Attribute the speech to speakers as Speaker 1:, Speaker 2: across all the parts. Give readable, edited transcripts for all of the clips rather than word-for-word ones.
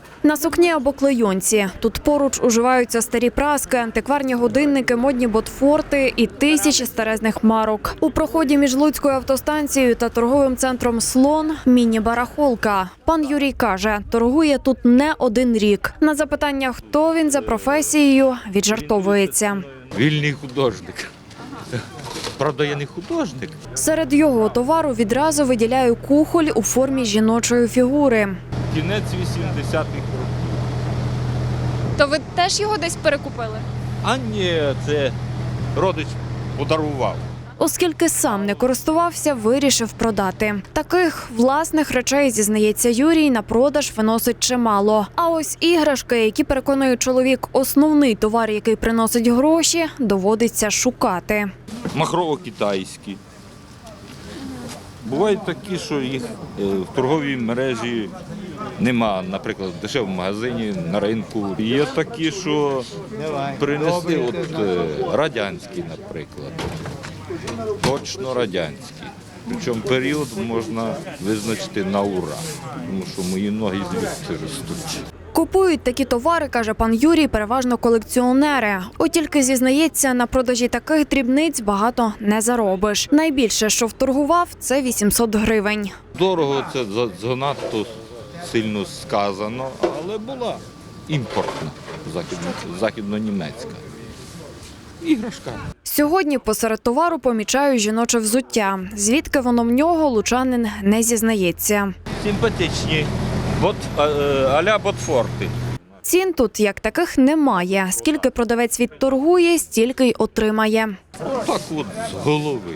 Speaker 1: На сукні або клейонці. Тут поруч уживаються старі праски, антикварні годинники, модні ботфорти і тисячі старезних марок. У проході між Луцькою автостанцією та торговим центром «Слон» – міні-барахолка. Пан Юрій каже, торгує тут не один рік. На запитання, хто він за професією, віджартовується.
Speaker 2: Вільний художник. Правда, я не художник.
Speaker 1: Серед його товару відразу виділяю кухоль у формі жіночої фігури.
Speaker 2: Кінець 80-х років.
Speaker 3: То ви теж його десь перекупили?
Speaker 2: А ні, це родич подарував.
Speaker 1: Оскільки сам не користувався, вирішив продати. Таких власних речей, зізнається Юрій, на продаж виносить чимало. А ось іграшки, які, переконує чоловік, основний товар, який приносить гроші, доводиться шукати.
Speaker 2: Махрово-китайські. Бувають такі, що їх в торговій мережі нема, наприклад, в дешевому магазині, на ринку. Є такі, що принесли, от радянські, наприклад. Точно радянські. Причому період можна визначити на ура, тому що мої ноги звідси ростуть.
Speaker 1: Купують такі товари, каже пан Юрій, переважно колекціонери. От тільки, зізнається, на продажі таких дрібниць багато не заробиш. Найбільше, що вторгував, це 800 гривень.
Speaker 2: Дорого це занадто сильно сказано, але була імпортна, західно-німецька. Іграшка.
Speaker 1: Сьогодні посеред товару помічаю жіноче взуття. Звідки воно в нього, лучанин не зізнається.
Speaker 2: Симпатичні, а-ля ботфорти.
Speaker 1: Цін тут як таких немає. Скільки продавець відторгує, стільки й отримає.
Speaker 2: Так от з голови.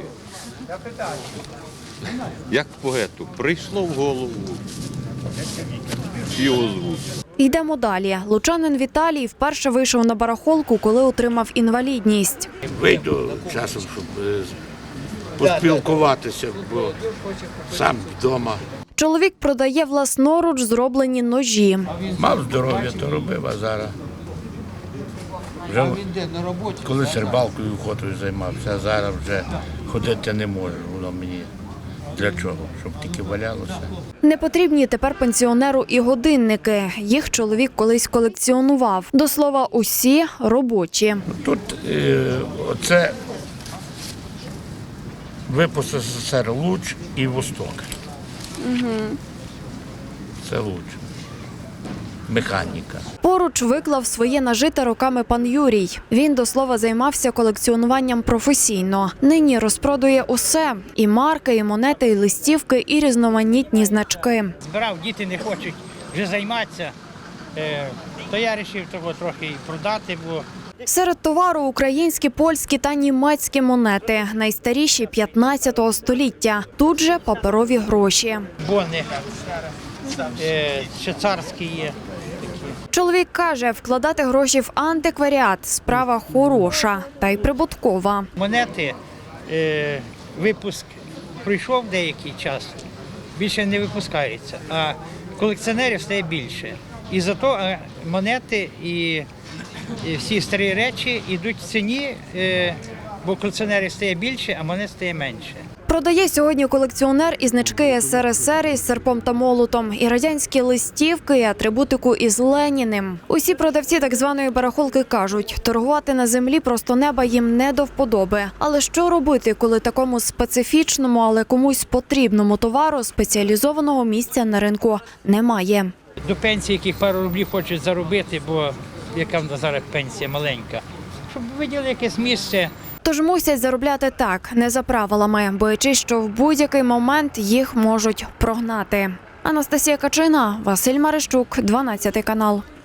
Speaker 2: Як поету, прийшло в голову і озвучив.
Speaker 1: Йдемо далі. Лучанин Віталій вперше вийшов на барахолку, коли отримав інвалідність.
Speaker 4: Вийду часом, щоб поспілкуватися, бо сам вдома.
Speaker 1: Чоловік продає власноруч зроблені ножі.
Speaker 4: Мав здоров'я, то робив, а зараз. Вже колись рибалкою, охотою займався, а зараз вже ходити не можу. Воно мені для чого? Щоб тільки валялося.
Speaker 1: Не потрібні тепер пенсіонеру і годинники. Їх чоловік колись колекціонував. До слова, усі робочі.
Speaker 4: Тут оце випуск СССР Луч і Восток. Це Луч. Механіка.
Speaker 1: Поруч виклав своє нажите роками пан Юрій. Він, до слова, займався колекціонуванням професійно. Нині розпродує усе – і марки, і монети, і листівки, і різноманітні значки.
Speaker 5: Збирав, діти не хочуть вже займатися, то я вирішив того трохи і продати, бо
Speaker 1: Серед товару – українські, польські та німецькі монети. Найстаріші – 15 століття. Тут же паперові гроші.
Speaker 5: бони ще царські є.
Speaker 1: Чоловік каже, вкладати гроші в антикваріат – справа хороша та й прибуткова.
Speaker 5: Монети, випуск пройшов деякий час, більше не випускається, а колекціонерів стає більше. І зато монети і всі старі речі йдуть в ціні, бо колекціонерів стає більше, а монет стає менше.
Speaker 1: Продає сьогодні колекціонер і значки СРСР із серпом та молотом, і радянські листівки, і атрибутику із Леніним. Усі продавці так званої барахолки кажуть, торгувати на землі просто неба їм не до вподоби. Але що робити, коли такому специфічному, але комусь потрібному товару спеціалізованого місця на ринку немає?
Speaker 5: До пенсії, яких пару рублів хочуть заробити, бо яка в нас зараз пенсія маленька, щоб виділи якесь місце.
Speaker 1: Тож мусять заробляти так, не за правилами, боячись, що в будь-який момент їх можуть прогнати. Анастасія Качина, Василь Марищук, 12 канал.